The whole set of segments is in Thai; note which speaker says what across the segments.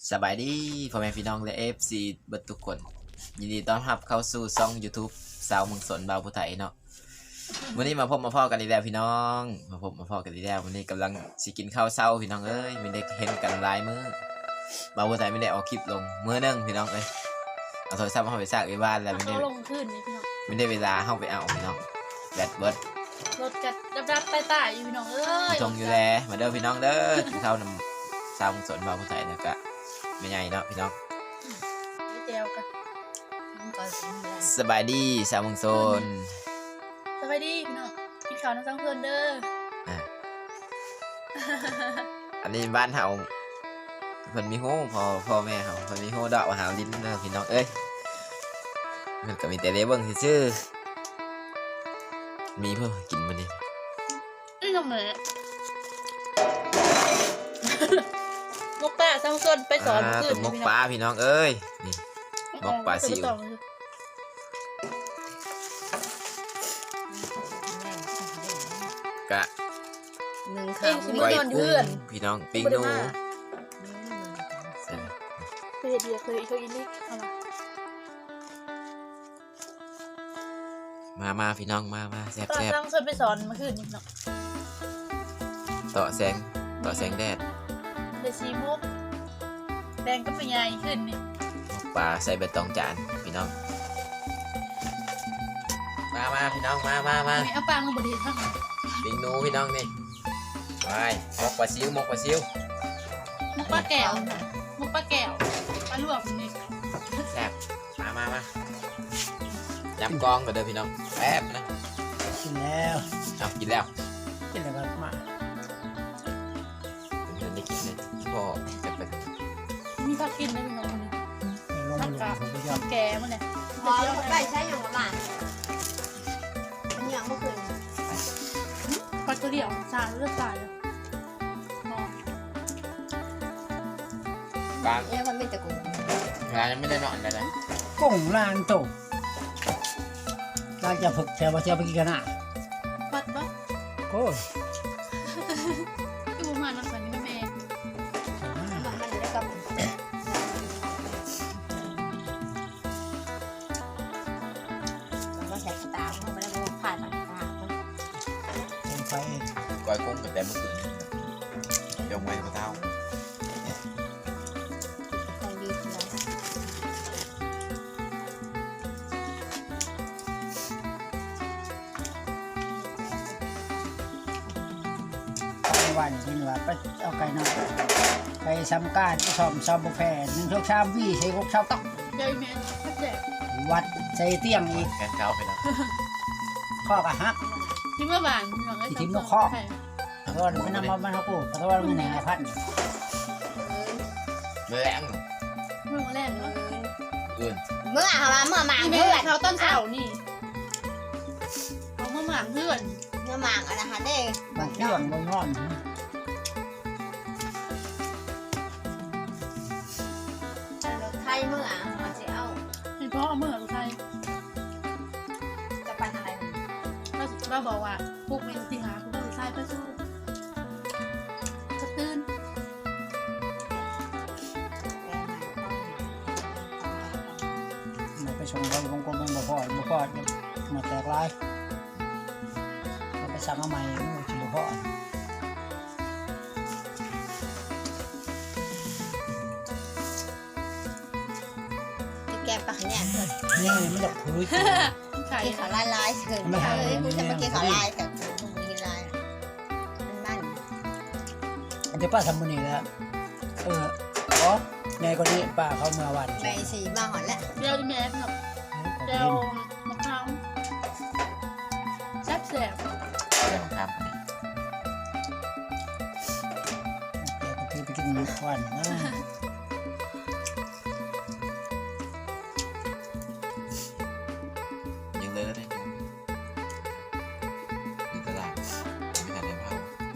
Speaker 1: สบายดีพ่อแม่พี่น้องและFCเบิดทุกคนยินดีต้อนรับเข้าสู่ช่อง YouTube สาวเมืองสนบ่าวผู้ไทยเนาะวันนี้มาพบมาพ่อกันอีกแล้วพี่น้องมาพบมาพ่อกันอีกแล้ววันนี้กำลังสิกินข้าวเช้าพี่น้องเอ้ยไม่ได้เห็นกันหลายมื้อบ่าวผู้ไทยไม่ได้เอาคลิปลงมื้อนึงพี่น้องเอ้ยเอาโทรศัพท์เฮาไปซากไว้บ้านแล้วไม่ได้
Speaker 2: ลงขึ้นนี่พี่น้อง
Speaker 1: ไม่ได้เวลาเฮาไปเอาพี่น้องแบตเบิด
Speaker 2: รถกัดดับไปตายอยู่พี่น้องเอ้ย
Speaker 1: จงอยู่แลมาเด้อพี่น้องเด้อกินข้าวนำสาวเมืองสนบ่าวผู้ไทยแล้วก็ไม่ใหญ่เนาะพี่น้อง
Speaker 2: เจลกัน
Speaker 1: สบายดีสาวเมืองสน
Speaker 2: สบายดีพี่น้องกินข้าวน้ำซังเพื่อนเด้อ
Speaker 1: อันนี้บ้านเฮาเพิ่นมีฮู้พ่อแม่เฮาเพิ่นมีฮู้ดอกว่าหาลิ้นเด้อพี่น้องเอ้ยมันก็มีแต่ได้เบิ่งซื่อๆมีเพิ่นกินมื้อนี้
Speaker 2: นี่ทำไงมกป้าซังเพื่อนไปสอนขึ้น
Speaker 1: ต้มมกปลาพี่น้องเอ้ยนี่มกปลาซิวกะ
Speaker 3: หนึ่ง
Speaker 2: เอง
Speaker 3: คำ
Speaker 2: สิ
Speaker 1: ก้อย
Speaker 2: นอน
Speaker 1: กุ้
Speaker 2: เพื่อน
Speaker 1: งพี่น้องปิ้งหนู
Speaker 2: เคยเดียเคยอินนี่เอา
Speaker 1: มาพี่น้องมาแซ่
Speaker 2: ตอน
Speaker 1: บ
Speaker 2: ซังเพื่อนไปสอนมาขึ้นนี่พี่น้อง
Speaker 1: ๆต่อแสงแดด
Speaker 2: เดซีมุกแดงก็เป็นใหญ่ขึ้นนี่
Speaker 1: มกปลาใส่ใบตองจานพี่น้องมาพี่น้องมา
Speaker 2: ไม่เอาปังลงบดีทั้ง
Speaker 1: ปิ้งหนูพี่น้องนี่ไปมกปลาซิว
Speaker 2: มุกป้าแก้วมุกป้าแก้วปลาลวกนี่
Speaker 1: แซ่บมายับกองกันเด้อพี่น้องแป๊บนะ
Speaker 4: กินแล้ว
Speaker 1: เอากินแล้ว
Speaker 4: กินแล้วก็มา
Speaker 1: เพิ่นได้กินเลยพ่อจะไป
Speaker 2: มีผักกินได้พี่น้องคนนี้
Speaker 4: ในโรงเรียนผมก็ยอม
Speaker 2: แกมันเลย
Speaker 3: พอได้ใช้อย่างประมาณมันยังไม่เคย
Speaker 2: ปลากระเดี่ยวสารเลือดสายเลยนอน
Speaker 1: บาง
Speaker 3: มันไม่ตะกุ่ม
Speaker 1: ร้านยังไม่ได้นอนเลยนะ
Speaker 4: กุ้งลานโตลานจะฝึกแถวว่าจะไปกินกันอ่ะ
Speaker 2: ปัดปะ
Speaker 4: โอ้ย
Speaker 2: ที่ประมาณนั้นสันนี่แม่
Speaker 3: มันได้กับมันก็ใช้ตามันไม่ได้ผ่านตา
Speaker 4: เป็นไฟ
Speaker 1: ก้อยกุ้งกับแต่เมื่อคืนยงไว้กับเท้า
Speaker 3: ต้องดีทีละ
Speaker 4: ในวันนี้ว่าไปเอาไก่นอกไปซ้ำการไปซ่อมซ้ำบุแพรหนึ่งชกชามวี่ใช้กกชาวต้อง
Speaker 2: ยายแม่พัดแจก
Speaker 4: วัดใส่เตี้ยงอีก
Speaker 1: แกนเท้าไปแล้ว
Speaker 4: ข้อกะฮัก
Speaker 2: ที่เมื่อวานพี่น้อง
Speaker 4: เพราะว่าไม่นำมาบ้านเขากูเพราะว่ามันแหน่พัน
Speaker 1: เมื่อแรง
Speaker 2: เมื่อแรกเนาะ
Speaker 1: อื่น
Speaker 3: เมื่อหมา
Speaker 2: ที่
Speaker 3: เพื่
Speaker 2: แม่
Speaker 3: อน
Speaker 2: เขาต้นเสานี่เขาเมื่อหมางเพื่อน
Speaker 3: เมื่อหมาอะไรคะเด้
Speaker 4: บางเรื่องบางงอน
Speaker 3: ไทยเมื่อมันจะเอา
Speaker 2: เห็นพ่อเมื่อไทย
Speaker 3: จะไปทางไหน
Speaker 2: เราบอกว่าพวกเมนที่หาคุณต้องใช้ไปสู้กระตื้น
Speaker 4: ไปชมเขาบางคนมันบ่พอมาแตกลายเราไปสั่งเอาใหม่มันจะบ่พอ
Speaker 3: จะแกปากเนี่ยเถอะ
Speaker 4: นี่มันจะคุย
Speaker 2: ไข่
Speaker 3: กินขาลายเกินเลยกูจะมากินขาลายแต่กูไม่กินลายมัน
Speaker 4: อันที่ป้าทำมันนี่แล้วอ๋อในคนนี้ป้าเขาเมื่อวัน
Speaker 3: ไปสีมาหอนแล้ว
Speaker 2: เดียวที่แม่ครับเดียวมะพร้าวแซ่บแซ่บ
Speaker 1: เรื่องครับ
Speaker 4: คือไปกินวันนะ
Speaker 1: ยังเลยได้อยู่ตลาดไม่ทันได้เผา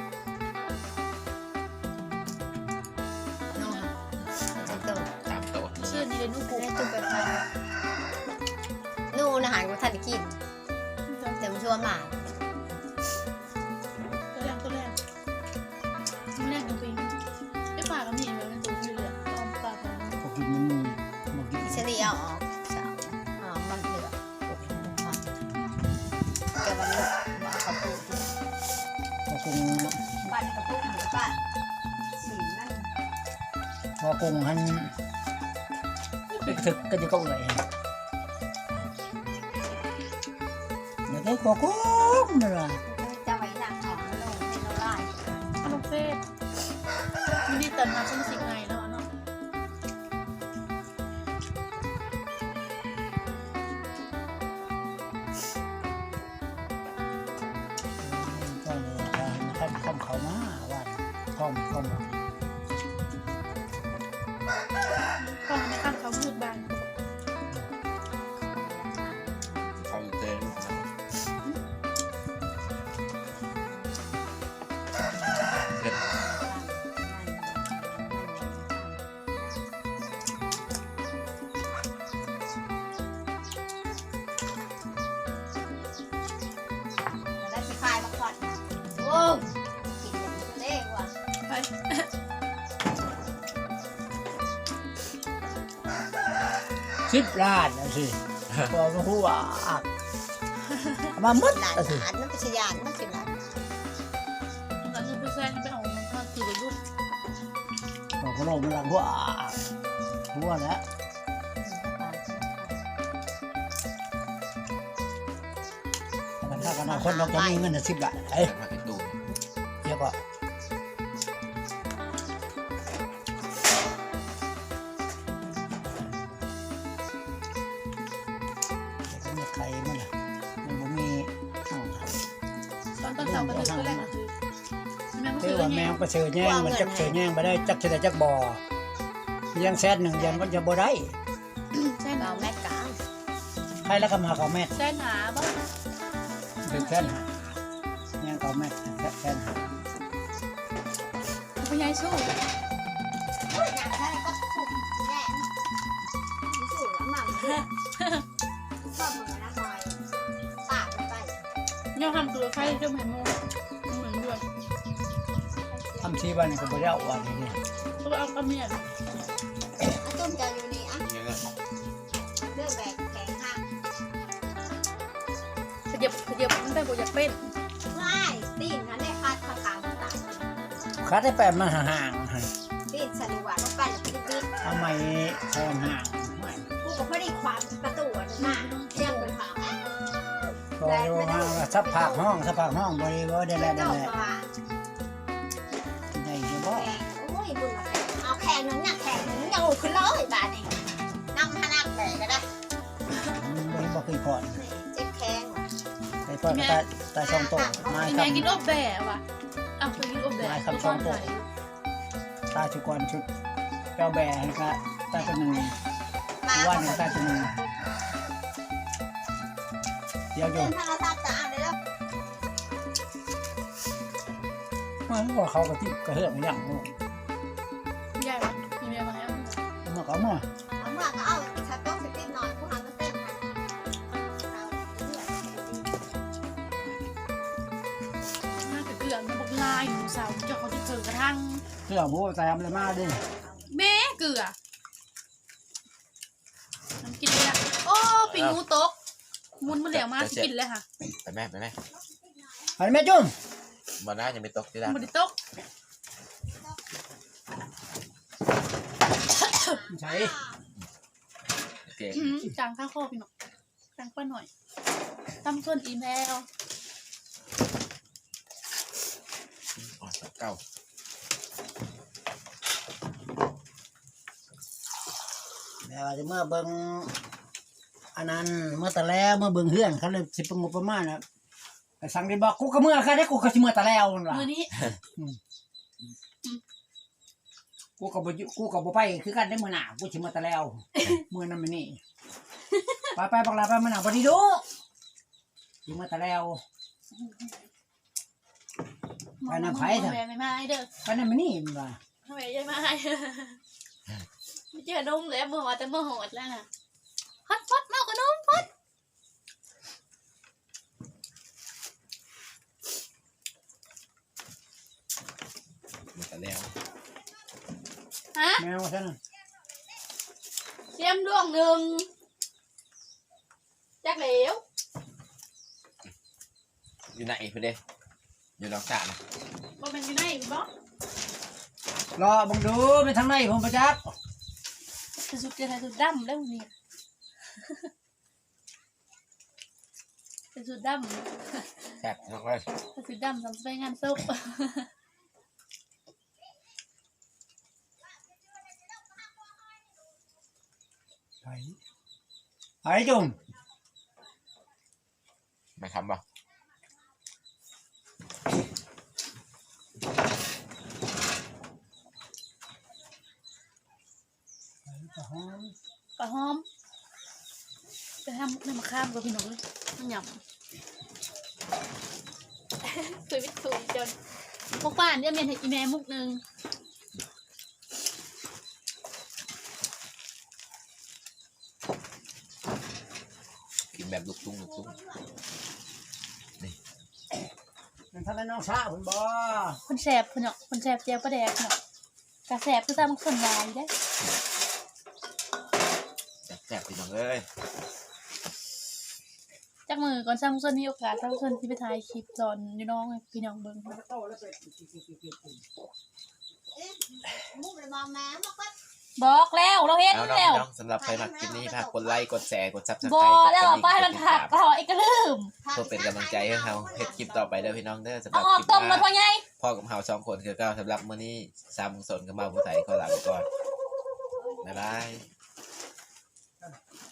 Speaker 3: นู่นจะโต
Speaker 1: ตามโต๊ะ
Speaker 2: ชื่อนี้เลยนุ๊กปุ๊
Speaker 3: ได้จุดไปพันนู่นอาหารกูทันกินแต่มันชัวร์หมา
Speaker 2: ตัวแรกตัวแรกตัวแรกจริงๆไอ้ป่าก็มีอยู่ในตู้นี่เลย
Speaker 3: าออกสาวมันเหลือแต่วันนี้มาเขาปลูก
Speaker 4: พอกรุง
Speaker 3: บ้านเขาปลูกหมูบ้านสีนั่น
Speaker 4: พอกรุงหันไปถึกก็จะก็เอื่อยเดี๋ยวได้กกุ้งนี่ล่ะ
Speaker 3: จะไว้หนักออกมาลงให้เราไล่
Speaker 2: ขนมเฟสมินิตันมาเป็นสิ่งไงแล้วเนาะ
Speaker 4: ก็เลยทำเขามาว่าท่อม
Speaker 2: กล้องในข้างเขามืดบาน
Speaker 1: เขาเตือนลูกนะเผ็ด
Speaker 3: ได้สิคายมาก่อนโอ้กินอย่างนี้เล่ว่ะ
Speaker 2: ไป
Speaker 4: 10 ล้านนะสิบอกมาพูดว่ามาหมด
Speaker 3: หลาน
Speaker 4: นะสิ
Speaker 3: หลานนั่นเป็นชยานนั่นเป็นหลาน
Speaker 2: หลังจากไปแซนไปเอามันก็คือรูป
Speaker 4: บอกว่าเรามันหลังว่าหัวแล้วถ้ากันคนเราจะมีเงิน10 ล้านเอ้ย
Speaker 1: มาไอ้ตูน
Speaker 4: เยอะกว่าแต่ก็มีใครมั้งล่ะมันบ่มีเอ้า
Speaker 2: ตอนเสาร์ก็คือแรกคือแม่ก็
Speaker 4: เรี
Speaker 2: คื
Speaker 4: ย
Speaker 2: อก
Speaker 4: ว่าแมงไปเสือแย่งมันจักเสือแย่งไปได้จักเสือจักบ่อยังแซดหนึ่งยันมันจะบ่ได้
Speaker 2: แซน
Speaker 3: เราแม่กลาง
Speaker 4: ใครแล้วก็มาเกาแม่
Speaker 2: แซนหาบ้าง
Speaker 4: ถึงแซนหาแย่งเกาแม่แซนหา
Speaker 2: พยายสู้
Speaker 3: อย่างแค่ก็ถูกแน่ที่สุดแล้วหม่ำด้วยชอบเหมือนนะหอยปากไป
Speaker 2: ย่อทำตัวไฟเจ้าแม่โมเหมือนด้วย
Speaker 4: ทำชีบ้านก็บ่ได้เอาวันนี้
Speaker 2: ก็เอากระเมียน
Speaker 3: อาต้มจะอยู่นี่อ่ะ
Speaker 1: เยอะ
Speaker 3: เลือกแบกแข็งห้าง
Speaker 2: ขยับมันได้กว่าอยากเป็น
Speaker 3: ไม่ตีนนั้นได้คาดผักกาดต่าง
Speaker 4: คัดให้แปดมาห่าง
Speaker 3: ตีนสนุกว่าต้องไปหรือตีน
Speaker 4: ๆเอาไม้แทงห่าง
Speaker 3: กูก็ไม่ได้ความประตูหน้าเที่ยงไปผ่า
Speaker 4: พอดูว่าสับผากห้องบ่ได้บ่ได้แล้ว
Speaker 3: เจ้า
Speaker 4: ได้
Speaker 3: ตัว
Speaker 4: ได้อยู่บ่
Speaker 3: แข่งโอ้ยบุญเอาแข่งนึงเนี่ยแข่งนึงยังขึ้นเลยบาทนี่นั่งพนักแบกก็ได้
Speaker 4: บ่เคยพอด
Speaker 3: เจ็บแข้ง
Speaker 4: ไปพอดก็ตาช่องโตมา
Speaker 2: กิน
Speaker 4: ค
Speaker 2: แม่กินอบแบะว่ะอ้าวเคยกินอบแบะก็ตอนไหน
Speaker 4: ำตาชุกรชุดเจ้าแบให้ก็ตาตัวหนึ่ง
Speaker 3: มา
Speaker 4: ว่าหนึ่งตาตัวหนึ่งเดี๋ยวอยู่
Speaker 3: เดินทางเราทราบจะอ่านเลยแล้ว
Speaker 4: มันก็เขาก็ที่กระเฮือกอย่างนู้น
Speaker 2: ใหญ่ว่ะมีแม่มาแล้ว
Speaker 4: มันก็มั่ว
Speaker 3: เอาเมื่อก็เอาชัดต้องสติหน่อยผู้หาก็เต้นนะ
Speaker 2: น่าจะเกลือมันบักลายอยู่สาวเจ้าเขาจะเจอกระทั่ง
Speaker 4: เสื้อผู้ใส่ทำอะไรมาดิ
Speaker 2: แม่เกลือน้ำกินเลยอ่ะโอ้ปิงงูตกมุนมันเหลวมากกินเลยค่ะ
Speaker 1: ไปแม่
Speaker 4: อันแม่จุ่ม
Speaker 1: บ่น่าจะไม่ตกที่ละ
Speaker 2: มันตก
Speaker 4: ใช่
Speaker 1: เก่ง
Speaker 2: จางข้าข้อพี่หน่อยจางป้าหน่อยตั้มส่วนอีเมล
Speaker 1: อ๋อเก่า
Speaker 4: แล้วจะเมื่อเบิ่งอันนั้นเมื่อแต่แล้วเมื่อเบิ่งเฮือนเขาเลยสิบงบประมาณนะไปสั่งได้บอกกูก็เมื่อค่ะได้กูก็สิเมื่อแต่แล้วนั่นล่ะ
Speaker 2: มือนี้
Speaker 4: กูก็บ่ไปคือกันได้มื้อหน้ากูสิเมื่อแต่แล้วมื้อนั้นมื้อนี้ไปบักลาไปมื้อหน้าบ่ดีดูสิเมื่อแต่แล้ว ไปน้ำไผ่เถอะ
Speaker 2: แม่ไม่มาเด้อ
Speaker 4: ไปนั่นมื้อนี้มันว่า
Speaker 2: แม่ยังมาไม่เจอนมแล้วเมื่อวานแต่เมื่อหดแล้วน่ะฮอตฟอดมากกว่านมฟอด
Speaker 1: หมดแล้ว
Speaker 2: ฮะ
Speaker 4: แมวซั่นน่ะ
Speaker 2: เตรียมดวงหนึ่งจักเหลว
Speaker 1: อยู่ไหนเพื่อนเด้อยู่หลังสระนะ
Speaker 2: บ่เป็นอยู่ไหนบ่
Speaker 4: รอบังดูไปทางไหนผมประจักษ์
Speaker 2: จะสุดจะสุดดำแล้วนี่จะสุดดำ
Speaker 1: แซ่บมากเลย
Speaker 2: จะสุดดำทำไปงานศพ
Speaker 4: ไอ้จุ่ม
Speaker 1: ไม่ทำป่ะ
Speaker 2: ปลาหอมไปทำน้ำมะขามกับพี่น้องเลยหย่ำสวยสวยจนพวกบ้านเนี่ยเมียนให้อีแม่มุกหนึ่ง
Speaker 1: กินแบบลูกตุ้งนี่
Speaker 4: มันทำให้น้องชาผมบ่
Speaker 2: คนแสบคนเนาะคนแสบเจียวประแดกเนาะกระแสบคือตามคนวายได้
Speaker 1: แซ่บพี่น้องเอ้ย
Speaker 2: จากมือก่อนสร้างส่วนมีโอกาสสร้างส่วนที่ไปถ่ายคลิปตอนอยู่น้องพี่น้องเบิ่ง
Speaker 4: โตแล้วไป
Speaker 3: มุกเลยมองแม่บอกว่า
Speaker 2: บอกแล้วเราเห็น
Speaker 1: เอาน้อง
Speaker 2: แล้ว
Speaker 1: พี่น้องสำหรับใครมาคลิปนี้ฝากกดไลค์กดแชร์กดซับสไคร
Speaker 2: บอ
Speaker 1: ต์
Speaker 2: กแล้วไปให้มันผักเราไอ้กระลืม
Speaker 1: เพื่อเป็นกำลังใจให้เราเฮ็ดคลิปต่อไปเด้อพี่น้องเด้อสำห
Speaker 2: เอา
Speaker 1: รับ
Speaker 2: ออ
Speaker 1: ค
Speaker 2: ก
Speaker 1: ลิป
Speaker 2: ต้ม
Speaker 1: ห
Speaker 2: มา
Speaker 1: น้า
Speaker 2: พอไง
Speaker 1: พ่อกับเฮา2คนคือเก้าสำหรับมื้อนี้3 โมงสนกับมาผู้ไทยขอลาไปก่อนบ๊ายบาย